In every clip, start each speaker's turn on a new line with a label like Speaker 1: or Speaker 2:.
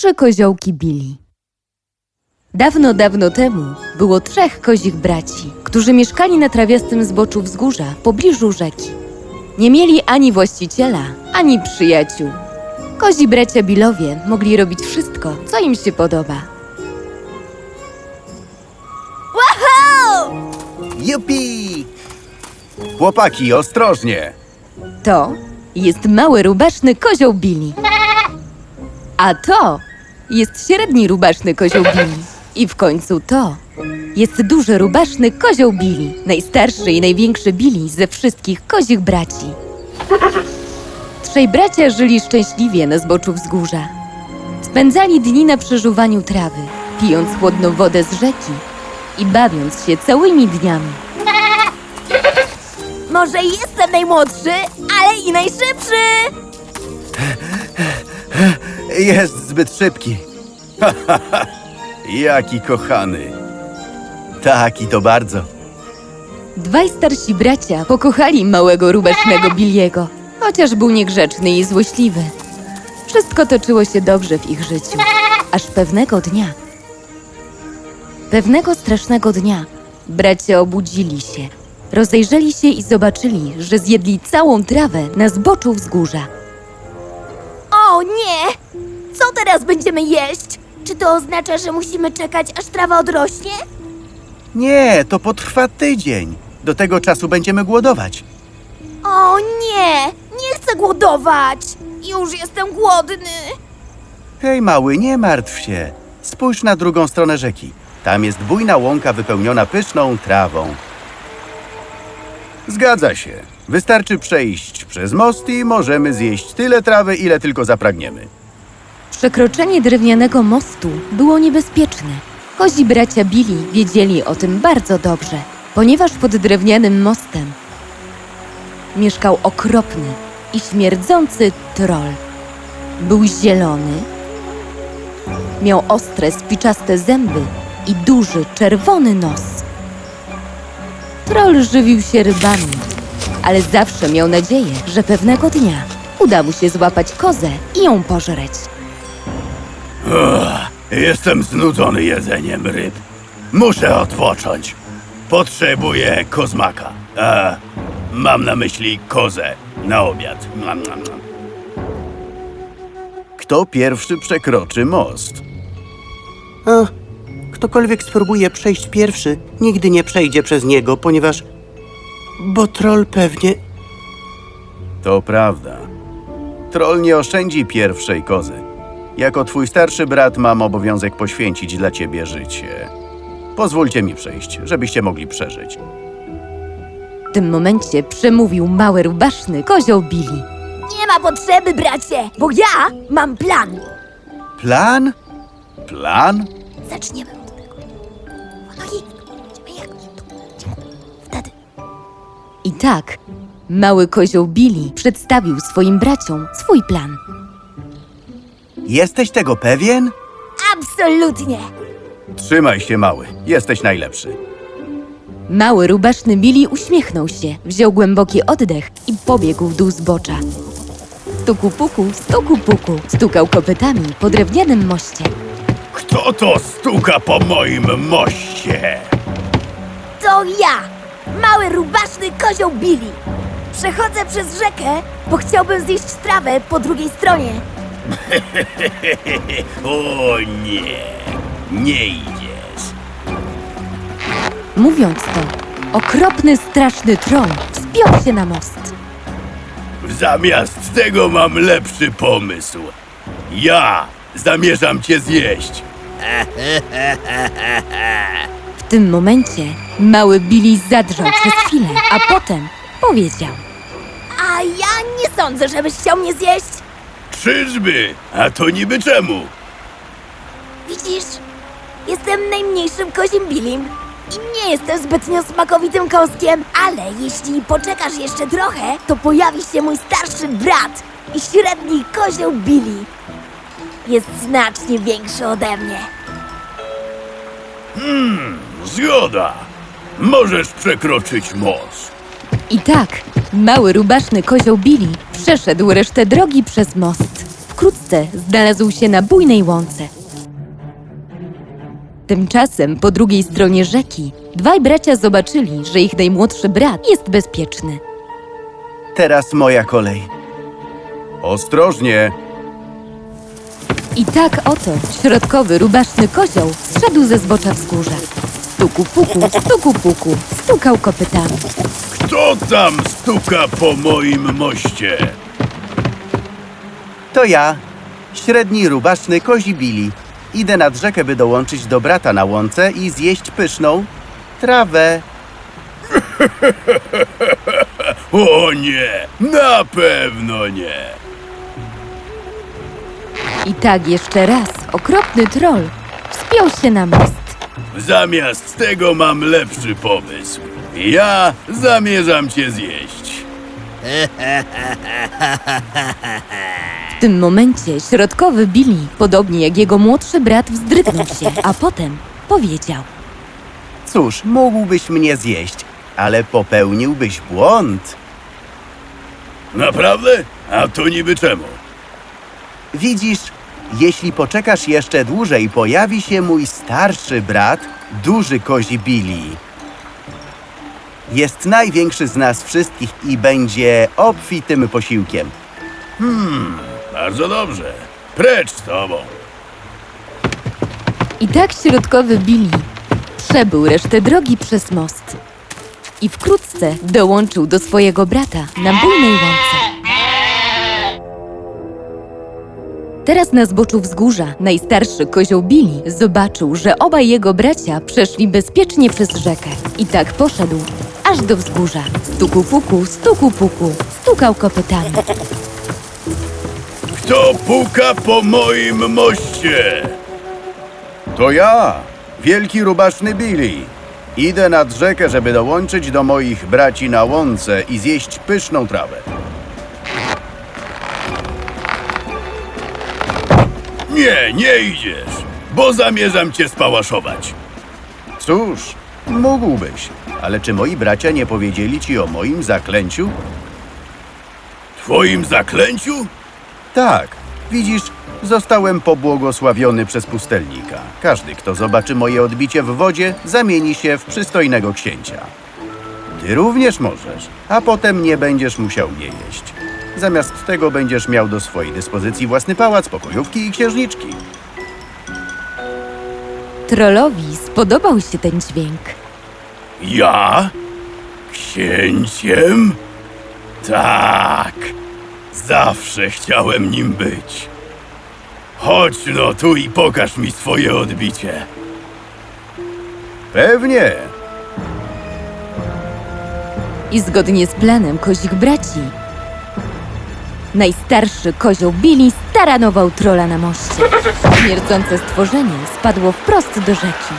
Speaker 1: Trzy koziołki Billy. Dawno, dawno temu było trzech kozich braci, którzy mieszkali na trawiastym zboczu wzgórza w pobliżu rzeki. Nie mieli ani właściciela, ani przyjaciół. Kozi bracia Billowie mogli robić wszystko, co im się podoba.
Speaker 2: Wow!
Speaker 3: Jupi! Chłopaki, ostrożnie!
Speaker 1: To jest mały, rubaszny kozioł Billy. A to jest średni, rubaszny kozioł Billy. I w końcu to jest duży, rubaszny kozioł Billy. Najstarszy i największy Billy ze wszystkich kozich braci. Trzej bracia żyli szczęśliwie na zboczu wzgórza. Spędzali dni na przeżuwaniu trawy, pijąc chłodną wodę z rzeki i bawiąc się całymi dniami.
Speaker 2: Może jestem najmłodszy, ale i najszybszy!
Speaker 3: Jest zbyt szybki. Jaki kochany. Tak, i to bardzo.
Speaker 1: Dwaj starsi bracia pokochali małego, rubasznego Billiego, chociaż był niegrzeczny i złośliwy. Wszystko toczyło się dobrze w ich życiu, aż pewnego strasznego dnia, bracia obudzili się, rozejrzeli się i zobaczyli, że zjedli całą trawę na zboczu wzgórza.
Speaker 2: O nie! Co teraz będziemy jeść? Czy to oznacza, że musimy czekać, aż trawa odrośnie?
Speaker 3: Nie, to potrwa tydzień. Do tego czasu będziemy głodować.
Speaker 2: O nie! Nie chcę głodować! Już jestem głodny!
Speaker 3: Hej, mały, nie martw się. Spójrz na drugą stronę rzeki. Tam jest bujna łąka wypełniona pyszną trawą. Zgadza się. Wystarczy przejść przez most i możemy zjeść tyle trawy, ile tylko zapragniemy.
Speaker 1: Przekroczenie drewnianego mostu było niebezpieczne. Kozi bracia Billy wiedzieli o tym bardzo dobrze, ponieważ pod drewnianym mostem mieszkał okropny i śmierdzący troll. Był zielony, miał ostre, spiczaste zęby i duży, czerwony nos. Troll żywił się rybami, ale zawsze miał nadzieję, że pewnego dnia uda mu się złapać kozę i ją pożreć.
Speaker 3: Jestem znudzony jedzeniem ryb. Muszę odpocząć. Potrzebuję kozmaka. Mam na myśli kozę na obiad. Kto pierwszy przekroczy most?
Speaker 4: Ktokolwiek spróbuje przejść pierwszy, nigdy nie przejdzie przez niego, ponieważ... Bo troll pewnie...
Speaker 3: To prawda. Troll nie oszczędzi pierwszej kozy. Jako twój starszy brat mam obowiązek poświęcić dla ciebie życie. Pozwólcie mi przejść, żebyście mogli przeżyć.
Speaker 1: W tym momencie przemówił mały, rubaszny kozioł Billy.
Speaker 2: Nie ma potrzeby, bracie, bo ja mam plan!
Speaker 3: Plan? Plan?
Speaker 2: Zaczniemy od tego. Wtedy.
Speaker 1: I tak mały kozioł Billy przedstawił swoim braciom swój plan.
Speaker 3: Jesteś tego pewien?
Speaker 2: Absolutnie!
Speaker 3: Trzymaj się, mały. Jesteś najlepszy.
Speaker 1: Mały, rubaszny Billy uśmiechnął się, wziął głęboki oddech i pobiegł w dół zbocza. Stuku puku, stukał kopytami po drewnianym moście.
Speaker 3: Kto to stuka po moim moście?
Speaker 2: To ja! Mały, rubaszny kozioł Billy! Przechodzę przez rzekę, bo chciałbym zjeść trawę po drugiej stronie.
Speaker 3: O nie, nie idziesz.
Speaker 1: Mówiąc to, okropny, straszny troll wspiął się na most.
Speaker 3: Zamiast tego mam lepszy pomysł. Ja zamierzam cię zjeść.
Speaker 1: W tym momencie mały Billy zadrżał przez chwilę, a potem powiedział:
Speaker 2: A ja nie sądzę, żebyś chciał mnie zjeść.
Speaker 3: Czyżby? A to niby czemu?
Speaker 2: Widzisz, jestem najmniejszym kozim Billim i nie jestem zbytnio smakowitym kąskiem, ale jeśli poczekasz jeszcze trochę, to pojawi się mój starszy brat i średni kozioł Billy. Jest znacznie większy ode mnie.
Speaker 3: Zgoda. Możesz przekroczyć most.
Speaker 1: I tak mały, rubaszny kozioł Billy przeszedł resztę drogi przez most. wkrótce znalazł się na bujnej łące. Tymczasem po drugiej stronie rzeki dwaj bracia zobaczyli, że ich najmłodszy brat jest bezpieczny.
Speaker 3: Teraz moja kolej. Ostrożnie!
Speaker 1: I tak oto środkowy, rubaszny kozioł zszedł ze zbocza wzgórza. Stuku puku, stukał kopytami.
Speaker 5: Kto tam stuka po moim moście?
Speaker 3: To ja, średni, rubaszny kozi Billy. Idę nad rzekę, by dołączyć do brata na łące i zjeść pyszną trawę.
Speaker 5: O nie, na pewno nie.
Speaker 1: I tak jeszcze raz okropny troll wspiął się na most.
Speaker 5: Zamiast tego mam lepszy pomysł. Ja zamierzam cię zjeść.
Speaker 1: W tym momencie środkowy Billy, podobnie jak jego młodszy brat, wzdrygnął się, a potem powiedział:
Speaker 3: Cóż, mógłbyś mnie zjeść, ale popełniłbyś błąd.
Speaker 5: Naprawdę? A to niby czemu?
Speaker 3: Widzisz, jeśli poczekasz jeszcze dłużej, pojawi się mój starszy brat, duży kozi Billy. Jest największy z nas wszystkich i będzie obfitym posiłkiem.
Speaker 5: Bardzo dobrze. Precz z tobą.
Speaker 1: I tak środkowy Billy przebył resztę drogi przez most. I wkrótce dołączył do swojego brata na bujnej łące. Teraz na zboczu wzgórza najstarszy kozioł Billy zobaczył, że obaj jego bracia przeszli bezpiecznie przez rzekę. I tak poszedł aż do wzgórza. Stuku puku, stukał kopytami.
Speaker 5: Kto puka po moim moście?
Speaker 3: To ja, wielki rubaszny Billy. Idę nad rzekę, żeby dołączyć do moich braci na łące i zjeść pyszną trawę.
Speaker 5: Nie, nie idziesz, bo zamierzam cię spałaszować.
Speaker 3: Cóż, mógłbyś, ale czy moi bracia nie powiedzieli ci o moim zaklęciu?
Speaker 5: Twoim zaklęciu?
Speaker 3: Tak, widzisz, zostałem pobłogosławiony przez pustelnika. Każdy, kto zobaczy moje odbicie w wodzie, zamieni się w przystojnego księcia. Ty również możesz, a potem nie będziesz musiał mnie jeść. Zamiast tego będziesz miał do swojej dyspozycji własny pałac, pokojówki i księżniczki.
Speaker 1: Trollowi spodobał się ten dźwięk.
Speaker 5: Ja? Księciem? Tak, zawsze chciałem nim być. Chodź no tu i pokaż mi swoje odbicie.
Speaker 3: Pewnie.
Speaker 1: I zgodnie z planem kozich braci, najstarszy kozioł Billy staranował trola na moście. Śmierdzące stworzenie spadło wprost do rzeki.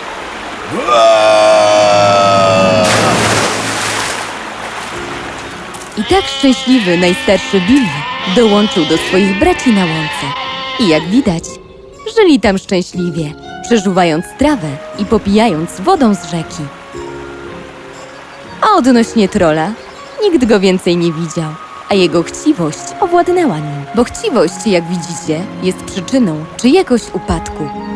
Speaker 1: I tak szczęśliwy najstarszy Billy dołączył do swoich braci na łące. I jak widać, żyli tam szczęśliwie, przeżuwając trawę i popijając wodą z rzeki. A odnośnie trola, nikt go więcej nie widział, a jego chciwość owładnęła nim. Bo chciwość, jak widzicie, jest przyczyną czyjegoś upadku.